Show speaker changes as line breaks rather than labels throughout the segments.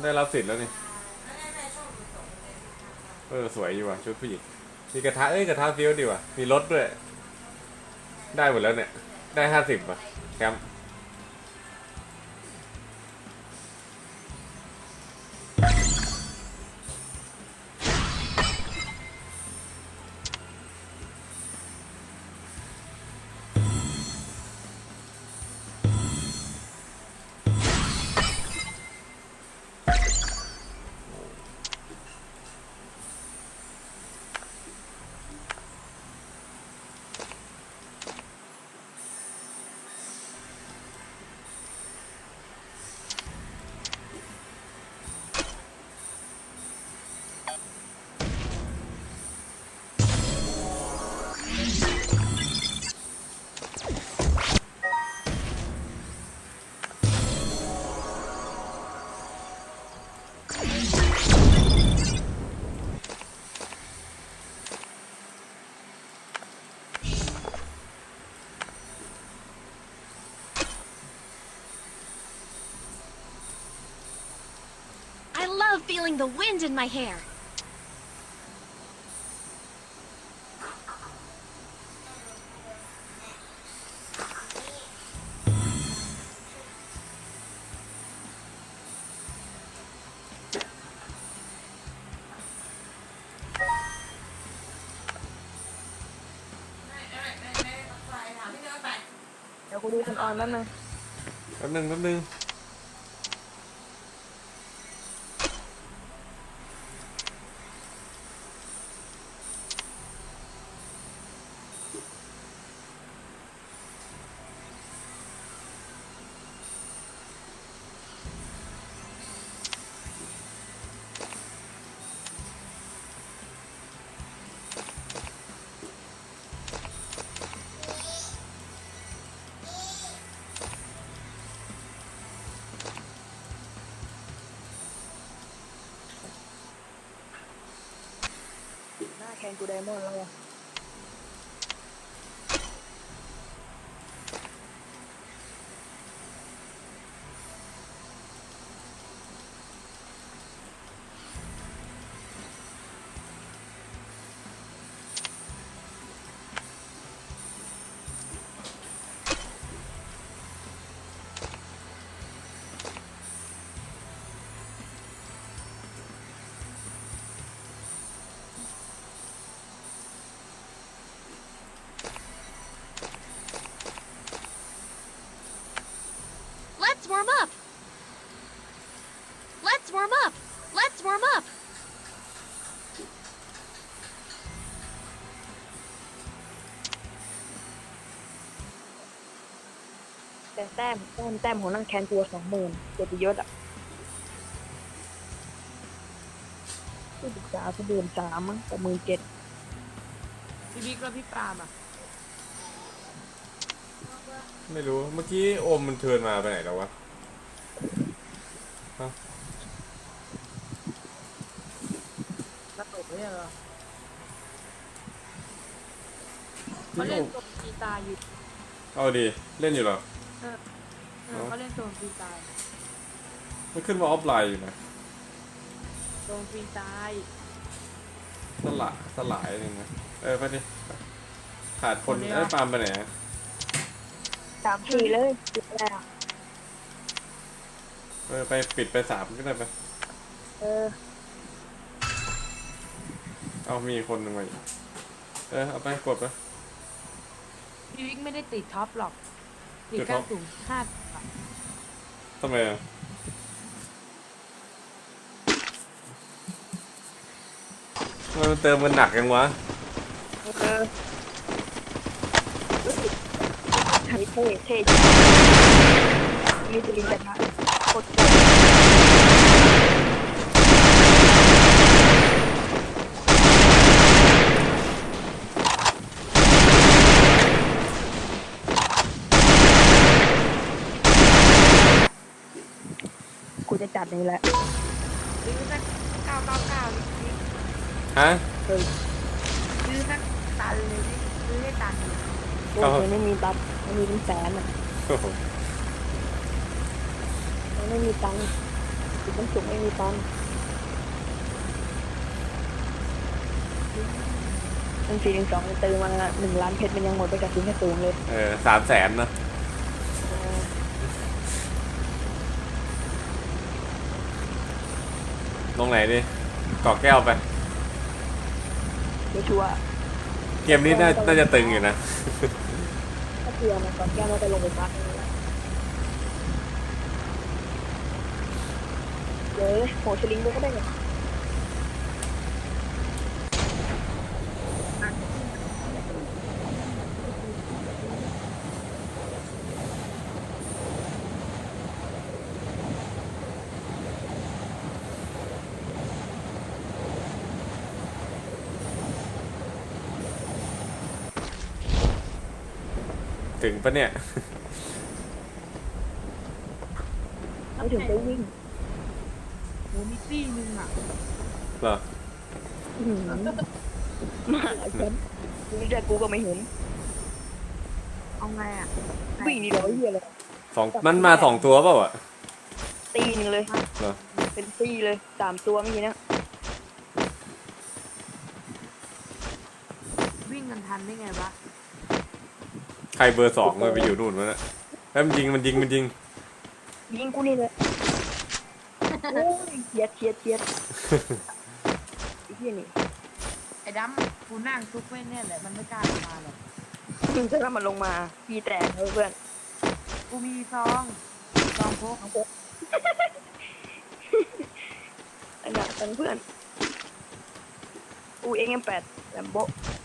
ได้รับสิทธิ์แล้วนี่สวยอยู่ว่ะชุดผู้หญิงมีกระทะกระทะฟิวดีว่ะมีรถด้วยได้หมดแล้วเนี่ยได้50ป่ะแคมป์
I love feeling the wind in my hair.
Để cô đi con on đó nè.
แป๊บนึง
Nó khen cô đem luôn rồi.
Let's warm up. Let's warm up. Let's warm up.
Để tem của năng khen chùa 20,000 เกียรติยศอ่ะผู้ศึกษาก็13,000มั้งแต่17,000
พี่บิ๊กแล้วพี่ปาล์มอ่ะ
ไม่รู้เมื่อกี้โอมมันเทิร์นมาไปไหนแล้ววะ
ระตกเนี่ยเหรอเขาเล่นโซนฟรีตายอยู่
เอาดีเล่นอยู่เหรอ
เขาเล่นโซนฟรีตาย
มันขึ้นมาออฟไลน์อยู่นะ
โซนฟรีตาย
สลายนึงนะไปดิขาดคนปาล์มไปไหนอะ
3-4เลยปิดแล้ว
ไปปิดไป3ก็ได้ไป เอามีคนหนึ่งมาอีกเอาไปกดไป
พี่บิ๊กไม่ได้ติดท็อปหรอกติด
ติดท็
แค่
อป
สูงห้า
ทำไมอะทำไมมันเติมมันหนักยังวะ
เท่มีจริงจังนะโคตรกูจะจัดนี่แหละ
ซื้อสัก999พี่บิ๊ก
ฮะ
ซื้อสักตันเลยพี่ซื้อให้ตันเลย
โอ้ยไม่มีตังค์ไม่มีเป็นแสนอ่ะ
โอ้โห
ไม่มีตังค์มันสูงไม่มีตันมัน412มันเติมมา1 ล้านเพชรมันยังหมดไปกับสิ่งแค่สูงเลย
300,000นะลงไหนดิเกาะแก้วไป
ไม่ชัวร์
เกมนี้น่าจะตึงอยู่นะ
ถ้าเกลือมันก่อนแก้วมันจะลงไปพักนึงแล้วเดี๋ยวโหชลิงด้วยก็ได้ไง
ถึงปะเนี่ย
ไม่ถึงไปวิ่ง
โหมีตี้นึงอ่ะ
เหรอ
มาฉันนี่แต่กูก็ไม่เห็น
เอาไงอ่ะ
วิ่งนี่เดี๋ยวเหี้ยเลย
มันมา2 ตัวเปล่าอ่ะ
ตีหนึ่งเลย
เหรอ
เป็นตีเลย3 ตัวเมื่อกี้นะ
วิ่งกันทันได้ไงวะ
ใครเบอร์ 2เลยไปอยู่นู่นวะเนี่ยแล้วมันยิง
ยิงกูนี่เลยโอ้ยเฉียดไอ้เหี้ยนี่
ไอ้ดำกูนั่งซุกไว้เนี่ยแหละมันไม่กล้าลงมาหรอก
มึงจะทำมันลงมาพี่แตกเลยเพื่อน
กูมีซองพก
อันนั้นเพื่อนกูเองยัง8แลมโบ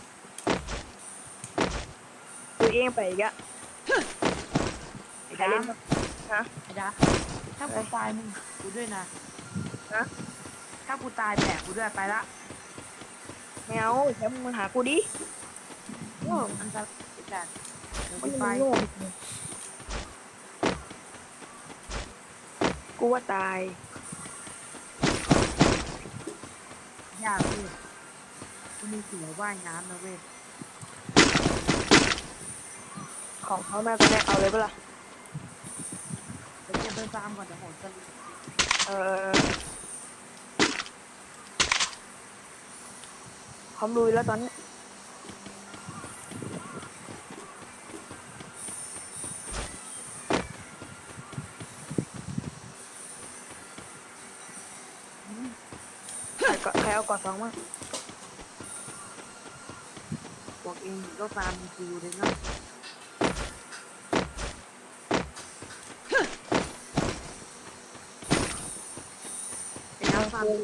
กูเองไปอีกอะ
ไอ้
ใครเล่น
ดำ
บ้างฮะ
ไอ้ดำถ้ากูตายมึงกูด้วยนะ
ฮะ
ถ้ากูตายแบกกูด้วยไปละ
แมวแชมป์มึงหากูดิโอ้
อันตรายจัดเดี๋ยว
มั
กู
น
ไป
โง่กูว่าตาย
ยากเลยกูมีเสือว่ายน้ำนะเว้ย
ของเขาแม่ก็ได้เอาเลยปะล่ะ
เดี๋ยวจะไปฟาร์มก่อนเดี๋ยวโหนสลิง
เออพร้อมลุยแล้วตอนนี้ใครเอากอด2มั้ง
บอกเองก็ฟาร์มคิวเลยเนาะไอ้ดำฟาร์ม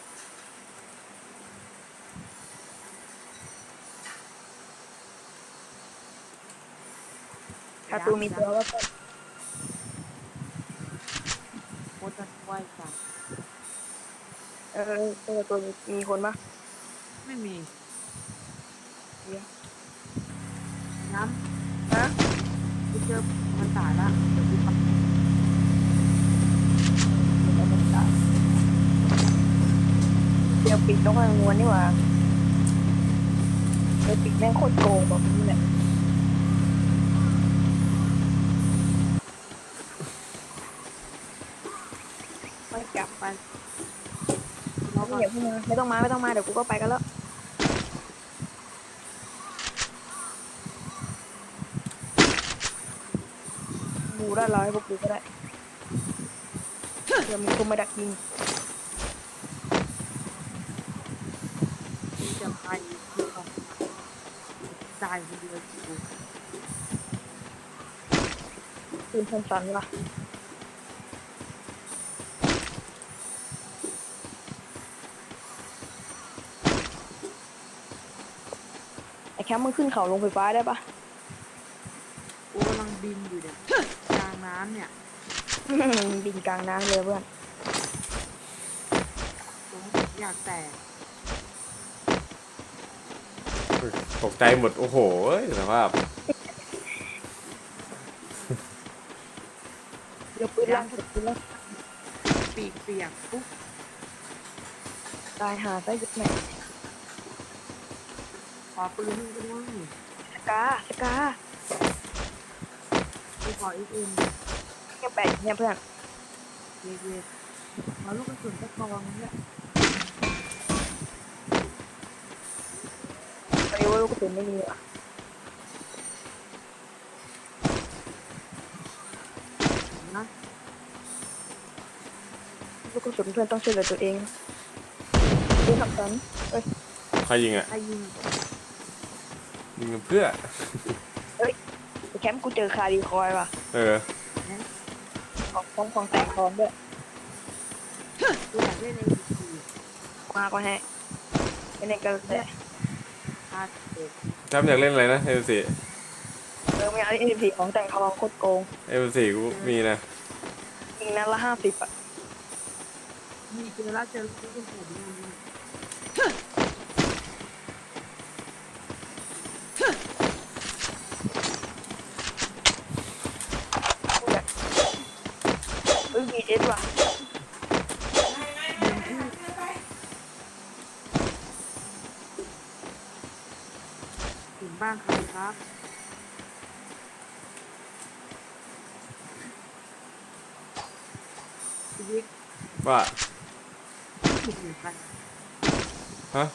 คาตูมีตัวว่าก็
โคตรจะไหวจัด
ตัวมีคนปะ
ไม่มี
เดี๋ยว
น้
ฮะ
ำกูเจอมันตายละเดี๋ยวกูไป
เดี๋ยวปิดต้องมางวนนี่หว่าเดี๋ยวปิดแม่งโคตรโกงแบบนี้แหละไม่กลับ
ไปเราก็
เดี๋ยวไม่ต้องมาเดี๋ยวกูก็ไปกันแล้วกูได้ร้อยพวกกูก็ได้เดี๋ยวมีคนมาดักยิง
จะไปคือเขาตายคนเดียวกู
ปืนสั้นๆล่ะไอ้แคมป์มึงขึ้นเขาลงไฟฟ้าได้ปะ
กูกำลังบินอยู่เนี่ยกลางน้ำเนี่ย
บินกลางน้ำเลยเพื่อน
อยากแตก
ตกใจหมด โอ้โหสภาพ
เดี๋ยวปืนลั่นปืนลั่น
ปีกเปียกปุ๊บ
ตายหาซะยุดไหน
ขอปืนมึงก็ด้วย
สกา
กูขออีกอื่น
ยังแปลกเนี่ยเพื่อน
เวทเอาลูกกระสุนตะกองเนี่ย
ตอนนี้ว่าลูกกระสุนไม่มีว่ะ
นะ
ลูกกระสุนเพื่อนต้องช่วยเหลือตัวเองดูทำกันเอ้ย
ใครยิงอ่ะ
ไอ้ยิง
ยิงเพื่อ
ไปแคมป์กูเจอคารีคอยว่ะ
เออ
ของแต่งทองด้วย
กูอยากเล่นในที
มาก็ให้ไม่เล่นกันแต่
พาเด็ก
จำอยากเล่นอะไรนะเอลซี
ไม่เอาที่14ของแต่งทองโคตรโกง
เอลซีกูมีนะ
ยิงนัดละ50อ่ะ
มีเจอแล้วเจอลูกกระสุนนี่
มีเอสว่ะ
ถึงบ้านใครครับชีวิต
ว่า
ถูกเหมือนกัน
ฮะ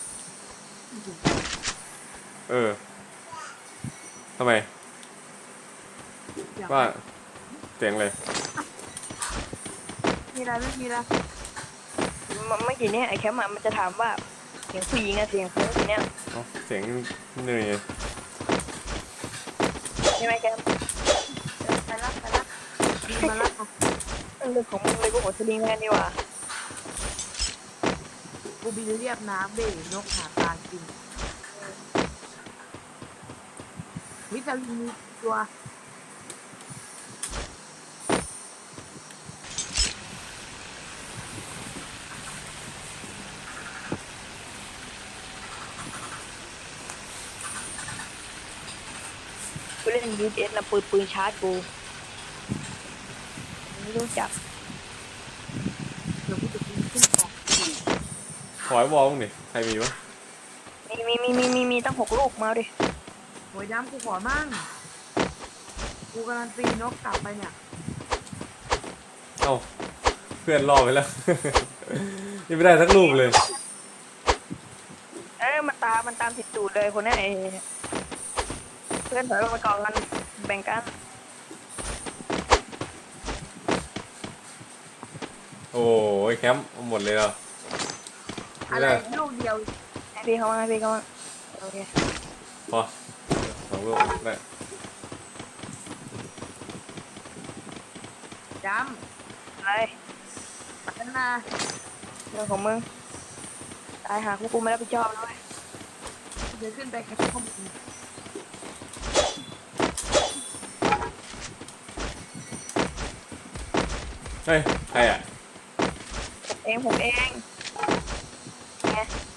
เออทำไม
อยาก
ว่าเสียงเลย
มีอะไรไม่มีอะไร
เมื่อกี้เนี่ยไอ้แคมป์มันจะถามว่าเสียงผู้หญิงอะเสียงผู้หญิงเนี่ย
เอ้าเสียงเหนื่อย
ใช่ไหมแคมป์
ไปละมีมาละ
เรื่องของมึงเลยกูหัวสลิงแม่นี่ว่ะ
กูบินเรียบน้ำเบยนกหาปลากินวิตามินมีตัว
กูเล่นยูเอสนะปืนชาร์จกูไม่รู้จัก
เดี๋ยวกูจะกินขึ้นของ
ขอให้วอลมึงดิใครมีวะ
มีตั้ง6 ลูกมาดิ
หวยน้ำกูขอมั่งกูกำลังตีนกกลับไปเนี่ย
เอ้าเพื่อนรอไปแล้ว ยังไม่ได้สักลูกเลย
มันตามติดตูดเลยคนเนี้ยไอ้เพื่อนถอยมาก่อนกันแบ่งกัน
โอ้ยแคมป์เอาหมดเลยเหรอไม่
อะไร
ได้
ลูกเดียว
ให้พี่เขามาโอเค
พอ2 ลูกได้
จ
อะไร
ำปัฒนา
เรื่องของมึงตายหากูไม่รับผิดชอบนะเว้ย
เดี๋ยวขึ้นไปแคปข้อมูล
เฮ้ยใครอ่ะ
ผมเองไง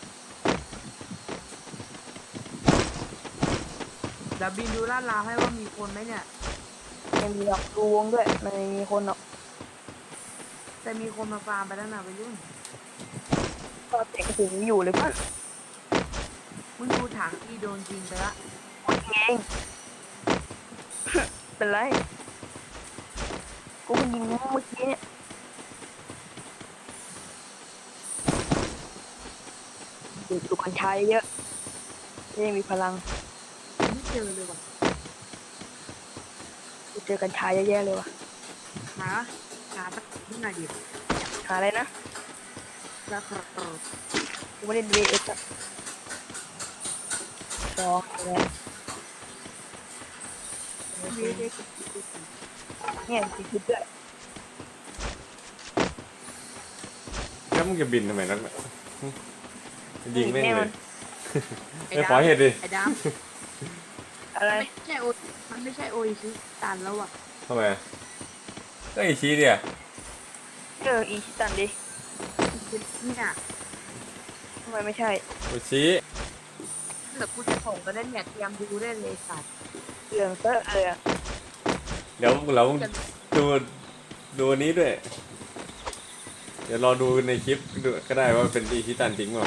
เดี๋ยวบินดูลาดราวให้ว่ามีคนไหมเนี่ย
ไม่มีหรอกดูวงด้วยมันไม่มีคนหรอก
แต่มีคนมาฟาร์มไปแล้วนะไปยุ่ง
ก็เตะกระสุนอยู่เลยป่ะ
มึงดูถังที่โดนยิงไปละ
เอง เป็นไรกูเพิ่งยิงเมื่อกี้เนี่ยดูกัญชาเยอะจะได้มีพลัง
ไม่เจอเลยว่ะ
กูเจอกัญชาแย่ๆเลยว่ะ
หาสักที่ไหนดิ
หาอะไรนะ
สักกระโดด
กูไม่ได้ดูเอสอะสองเนี่ยเนี่ยคิดด้วย
แคมป์มึงจะบินทำไมนักหนายิงแม่ง
แน่
เล
มั
ย
น
ไม่ขอเหตุดิ
ไอ้ด
อะไร
ำไม่ใช่โอมันไม่ใช่โอชิตันแล้วอ่ะ
ทำไมอะก็ไอชี้เดีย
อีชิตันดิ
เนี่ย
ทำไมไม่ใช่
โอชี้
เดี๋ยวกูจะส่งไปเล่นเนี่ยเตรียมดูได้เลยสัตว์
เหลืองเซอะเลยอะ
เดี๋ยวเราดูดูอันนี้ด้วย เดี๋ยวรอดูในคลิปดูก็ได้ว่าเป็นอีชิตันจริงเปล่า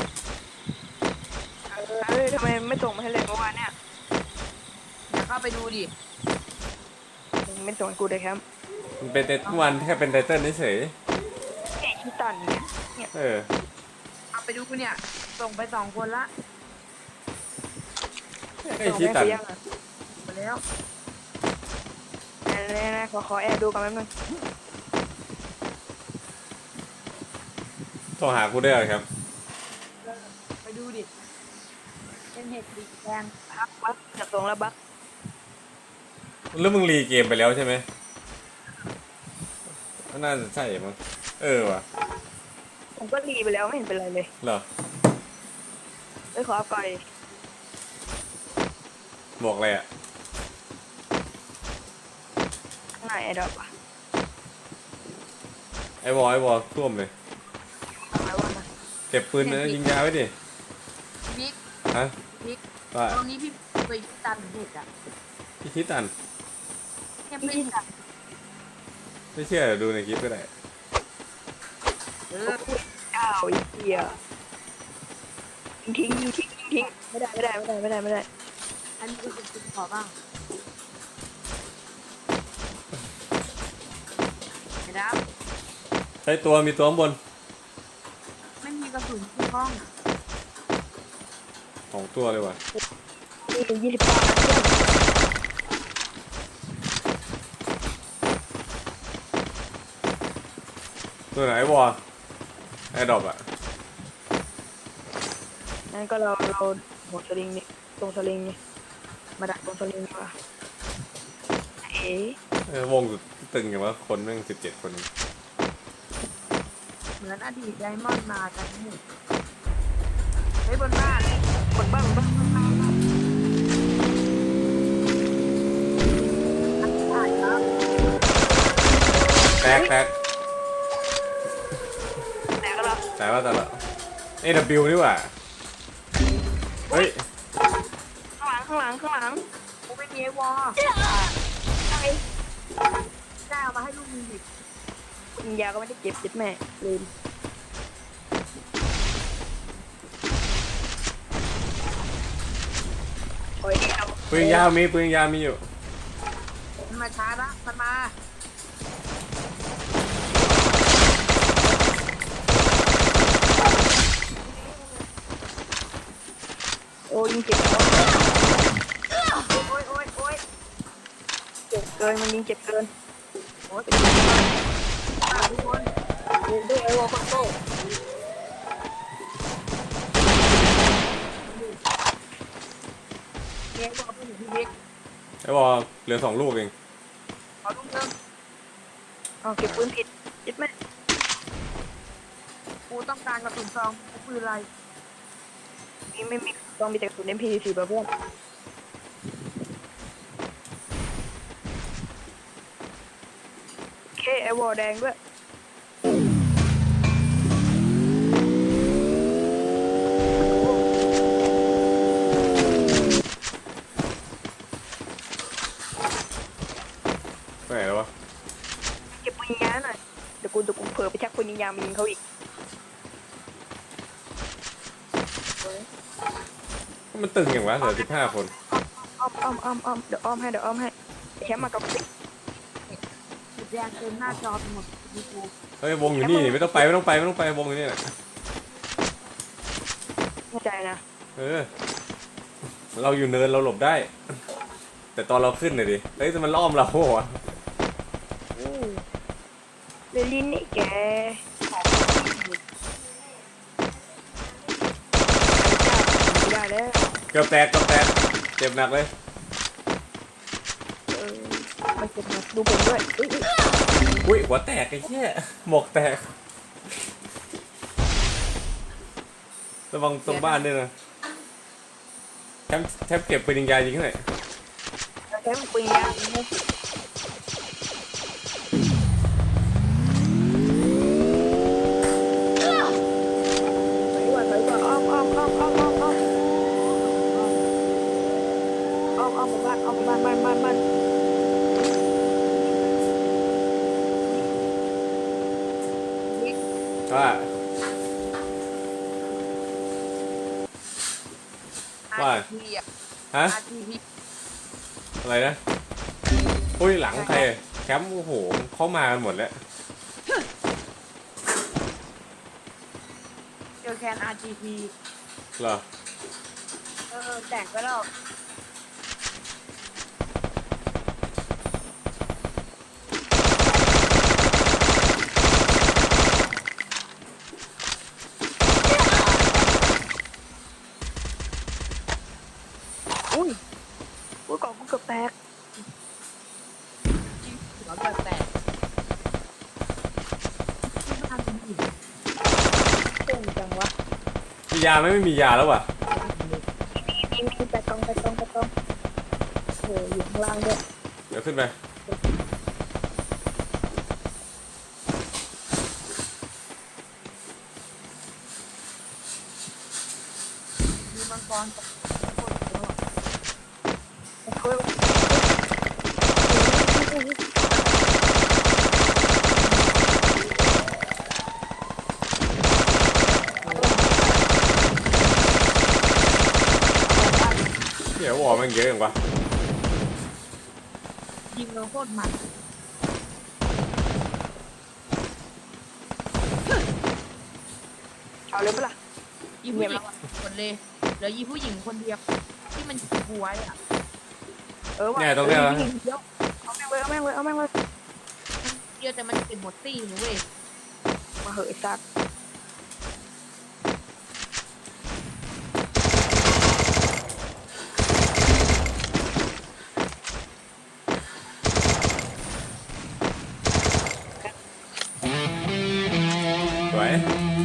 ทำไมไม่ส่งมาให้เลยเมื่อวานเนี่ย
เดี๋ยวเข้าไปดูดิ
มึงไม่ส่งให้กูเลยครับ
มันเป็นเมื่อวานแค่เป็นไตเติ้ลเฉย
เฮ้ยที่ตันเนี่ย
เออ
เอาไปดูกูเนี่ย ส่งไป2 คนละ
ไอ้ชี้ตัน
ยังอ่ะ
ไปแล้ว
นะขอแอบดูกันแป๊บนึง
โทรหากูได้เหรอครับ
ไปดูดิ เป็นเห็ดสีแดง
บักจับตรงแล้วบัก
แล้วมึงรีเกมไปแล้วใช่ไหมน่าจะใช่มั้งเออว่ะ
ผมก็รีไปแล้วไม่เห็นเป็นไรเลย
เหรอ
ขออัพก่อน
บอกอะไรอ่ะ
ข้างในไอ้ดอกอ่ะ
ไอ้วอลท่วมเลย
ทำไมวะนะ
เก็บปืนนะยิงยาไว้ดิ
บิ๊ก
ฮะ
บิ๊ก
ว่า
ตรงนี้พี่ไปตันเห็ดอ่ะ
พี่คิดตัน
เนี่ย
พี่
เป็น
ตัน
ไม่เชื่อเดี๋ยวดูในคลิปก็ได้
เออ
อ้าวไอ้เหี้ยทิ้งไม่ได้
อันนี้ก็เป็นขอบ้างเห็นแล้ว
ใช้ตัวมีตัวข้างบน
ไม่มีกระสุนที่ห้อง
2 ตัวเลยว่ะ
นี่28 นัดเพื่อน
ตัวไหนไอ้วอลไอ้ดอบอ่ะ
งั้นก็เราหมดสลิงนี่ตรงสลิงนี่มาดักตรงสลิงดีกว่าเอ๋
วงสุดตึงอย่างว่าคนแม่ง17 คน
เหมือนอดีตไดมอนด์มากันนี่เฮ้ยบนบ้าน
คนบ้าง
ถ่ายครับ
แตก
แต่ก็เรา
แต่ละ AW นี่หว่าเฮ้ย
ข้างหลัง
กูไม่มีไอ้วอล
ไอ้
ได้เอามาให้ลูกมีดิ
ยิงยาก็ไม่ได้เก็บจิตแม่ลืมโอ้ยเอา
ปืนยาวมีอยู่
มันมาช้าละมันมา
โอ้ยยิงเจ็บ
โอ้ย
เจ็บเกินมันยิงเจ็บเกิน
โอ้ยทุกคน
ยิงด้วยไอ้วอลคอนโต้
เลี้ยงบอกเพื่อนพี่บิ๊ก
ไอ้วอลเหลือ2 ลูกเอง
ขอลูกเริ่ม
เอาเก็บปืนผิดจิตแม่
กูต้องการกระสุนซองกูปืนอะไร
นี่ไม่มีต้องมีแต่กระสุน MP4 ป่ะเพื่อนโอเคไอ้วอลแดงด้วย
ไปไหนแล้ววะ
เก็บปืนยิงยาหน่อยเดี๋ยวกูเผลอไปชักปืนยิงยามายิงเขาอีก
มันตึงอย่างวะเหลือ15 คน
อ้อมเดี๋ยวอ้อมให้ไอ้แชมป์มากับติ๊ก
สีแดงเต็มหน้าจอไปหมดดูกู
เฮ้ยวงอยู่นี่ไม่ต้องไปวงอยู่นี่แหละ
แน่ใจนะ
เราอยู่เนินเราหลบได้ แต่ตอนเราขึ้นเลยดิเฮ้ยแต่มันล้อมเราโหวะ
เรลินนี่แกไม่ได้แล้ว
เกือบแตกเจ็บหนักเลย
มันเจ็บนะดูผมด้วยอุ๊ย
อุ้ยหัวแตกไอ้เหี้ยหมวกแตกระวังตรงบ้านด้วยนะแทบเก็บปืนยิงยายิงเท่าไหร่
แชมป์ปืนยาวนี่ถอยก่อนอ้อมหมู่บ้านบ้าน
บิ๊ก
ว่า ว่า
ทีอ่ะ
ฮะ
ทีพี่
อะไรนะอุ้ยหลังใครแคมป์โอ้โหเข้ามากันหมดแล้ว
แคนอาร์จีพี
เหรอ
แตกก็แล้วอุ้ยกล่องกูเกือบแตก
หัวเกิดแตกที่บ้านเป็นหิน
เก่งจังวะ
มียาไหมไม่มียาแล้วว่ะ
มีแต่กล่องโอ้ยอยู่ข้างล่างด้วย
เดี๋ยวขึ้นไป
มีมังกรกับ
เฮ้ย
เดี๋ยววอลมันเยอะอย่างวะ
ยิงเราโคตรมัน
เอาเลยปะล่ะ
อีผู้หญิงคนเลยเหลืออีผู้หญิงคนเดียวที่มันบวยอ่ะ
ว่ะ
เนี่ยตรงเนี้ยนะ
เดี๋ยวเอาแม่งเลยเอาแม่งเลยเอาแม่งเลย
เดียวแต่มันเป็นหมดตี้นะเว้ย
มาเหอะไอ้สัตว์
สวย